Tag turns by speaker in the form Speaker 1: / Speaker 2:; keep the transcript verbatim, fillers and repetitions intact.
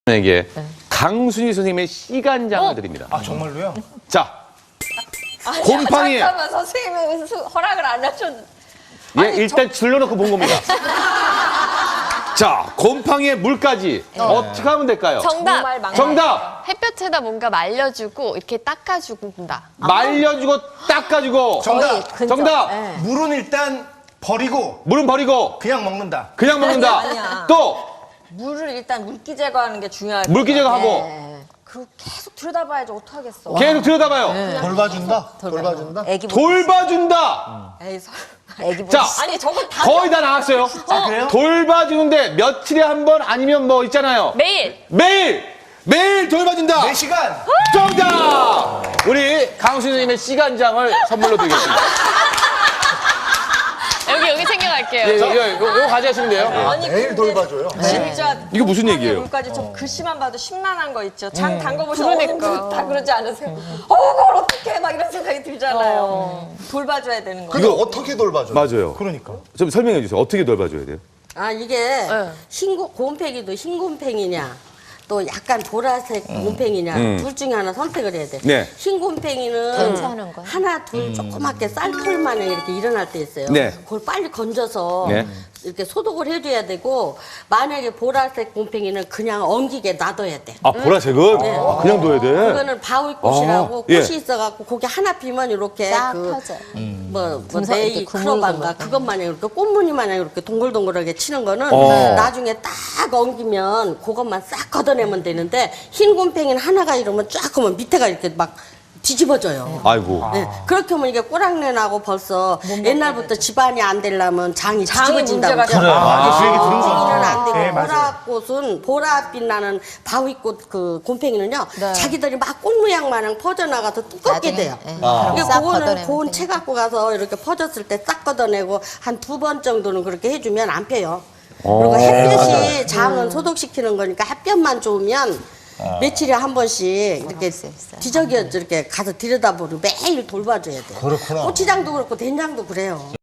Speaker 1: 에게 강순희 선생님의 시간장을
Speaker 2: 어?
Speaker 1: 드립니다.
Speaker 3: 아 정말로요?
Speaker 1: 자,
Speaker 2: 아니,
Speaker 1: 곰팡이.
Speaker 2: 잠깐만 선생님이 수- 허락을 안 하셨는데.
Speaker 1: 예, 일단 질러놓고 본 겁니다. 자, 곰팡이의 물까지 어떻게 하면 될까요?
Speaker 2: 정말
Speaker 4: 정답.
Speaker 2: 망.
Speaker 1: 정답!
Speaker 4: 햇볕에다 뭔가 말려주고 이렇게 닦아준다.
Speaker 1: 말려주고 닦아주고.
Speaker 3: 정답.
Speaker 1: 정답!
Speaker 3: 물은 일단 버리고
Speaker 1: 물은 버리고
Speaker 3: 그냥 먹는다.
Speaker 1: 그냥 먹는다.
Speaker 2: 아니야.
Speaker 1: 또
Speaker 2: 물을 일단 물기 제거하는 게 중요할 것
Speaker 1: 물기
Speaker 2: 같아.
Speaker 1: 제거하고
Speaker 2: 그리고 계속 들여다봐야지 어떡하겠어.
Speaker 1: 계속 들여다봐요.
Speaker 5: 돌봐준다? 돌봐준다?
Speaker 2: 애기 보
Speaker 1: 돌봐준다.
Speaker 2: 에이, 설...
Speaker 4: 애기
Speaker 1: 자,
Speaker 2: 아니 저건 다
Speaker 1: 거의 다 나왔어요.
Speaker 3: 아 그래요?
Speaker 1: 돌봐주는데 며칠에 한 번 아니면 뭐 있잖아요.
Speaker 4: 매일.
Speaker 1: 매일! 매일 돌봐준다.
Speaker 3: 네 시간.
Speaker 1: 정답! 우리 강순희 선생님의 시간장을 선물로 드리겠습니다.
Speaker 4: 여기 여기 챙겨갈게요.
Speaker 1: 예, 이거, 이거, 이거 가져가시면 돼요.
Speaker 2: 아니
Speaker 5: 매일
Speaker 2: 근데
Speaker 5: 돌봐줘요.
Speaker 2: 진짜
Speaker 1: 이거 무슨
Speaker 2: 곰팡이
Speaker 1: 얘기예요?
Speaker 2: 물까지 저 글씨만 봐도 심란한 거 있죠. 장 담궈보시면
Speaker 4: 그러니까.
Speaker 2: 어, 다 그러지 않으세요? 어, 그걸 어떻게 막 이런 생각이 들잖아요. 돌봐줘야 되는 거.
Speaker 5: 근데 어떻게 돌봐줘요?
Speaker 1: 맞아요.
Speaker 3: 그러니까.
Speaker 1: 좀 설명해 주세요. 어떻게 돌봐줘야 돼요?
Speaker 6: 아 이게
Speaker 4: 네.
Speaker 6: 흰 곰- 곰팡이도 흰 곰팡이냐 또 약간 보라색 곰팡이냐 둘 중에 하나 선택을 해야 돼.
Speaker 1: 네.
Speaker 6: 흰 곰팡이는
Speaker 4: 괜찮은 거야?
Speaker 6: 하나 둘 조그맣게 쌀털만에 이렇게 일어날 때 있어요.
Speaker 1: 네.
Speaker 6: 그걸 빨리 건져서
Speaker 1: 네.
Speaker 6: 이렇게 소독을 해줘야 되고 만약에 보라색 곰팡이는 그냥 엉기게 놔둬야 돼.
Speaker 1: 아, 보라색은? 아, 그냥 둬야 돼?
Speaker 6: 그거는 바위꽃이라고
Speaker 1: 아, 예.
Speaker 6: 꽃이 있어갖고 거기 하나 피면 이렇게
Speaker 4: 싹
Speaker 6: 그
Speaker 4: 펴져요.
Speaker 6: 뭐, 뭐
Speaker 4: 분석
Speaker 6: 네이
Speaker 4: 이렇게
Speaker 6: 크로반가
Speaker 4: 구물구물.
Speaker 6: 그것마냥 이렇게 꽃무늬 마냥 이렇게 동글동글하게 치는 거는
Speaker 1: 어.
Speaker 6: 나중에 딱 엉기면 그것만 싹 걷어내면 되는데 흰 곰팡이는 하나가 이러면 쫙 하면 밑에가 이렇게 막 뒤집어져요.
Speaker 1: 아이고.
Speaker 6: 네, 그렇게 하면 이게 꼬랑내 나고 벌써 옛날부터 집안이 안 되려면 장이
Speaker 2: 장이
Speaker 6: 뒤집어진다고.
Speaker 2: 문제가
Speaker 3: 그래. 아, 그 얘기 들은 것
Speaker 6: 곰팡이는
Speaker 3: 같아요.
Speaker 6: 안 되고
Speaker 3: 네, 맞아요.
Speaker 6: 보라꽃은 보랏빛 나는 바위꽃 그 곰팡이는요
Speaker 4: 네.
Speaker 6: 자기들이 막 꽃 모양 마냥 퍼져나가서 두껍게
Speaker 4: 나중에,
Speaker 6: 돼요.
Speaker 4: 예.
Speaker 5: 아.
Speaker 6: 이게
Speaker 4: 싹
Speaker 6: 그거는
Speaker 4: 걷어내면
Speaker 6: 고운
Speaker 4: 되니까.
Speaker 6: 채 갖고 가서 이렇게 퍼졌을 때 싹 걷어내고 한 두 번 정도는 그렇게 해주면 안 펴요. 그리고 햇볕이 장은 소독시키는 거니까 햇볕만 좋으면 며칠에 한 번씩 이렇게
Speaker 4: 수 있어요.
Speaker 6: 뒤적여 이렇게 가서 들여다보고 매일 돌봐줘야 돼요.
Speaker 5: 그렇구나.
Speaker 6: 고추장도 그렇고 된장도 그래요.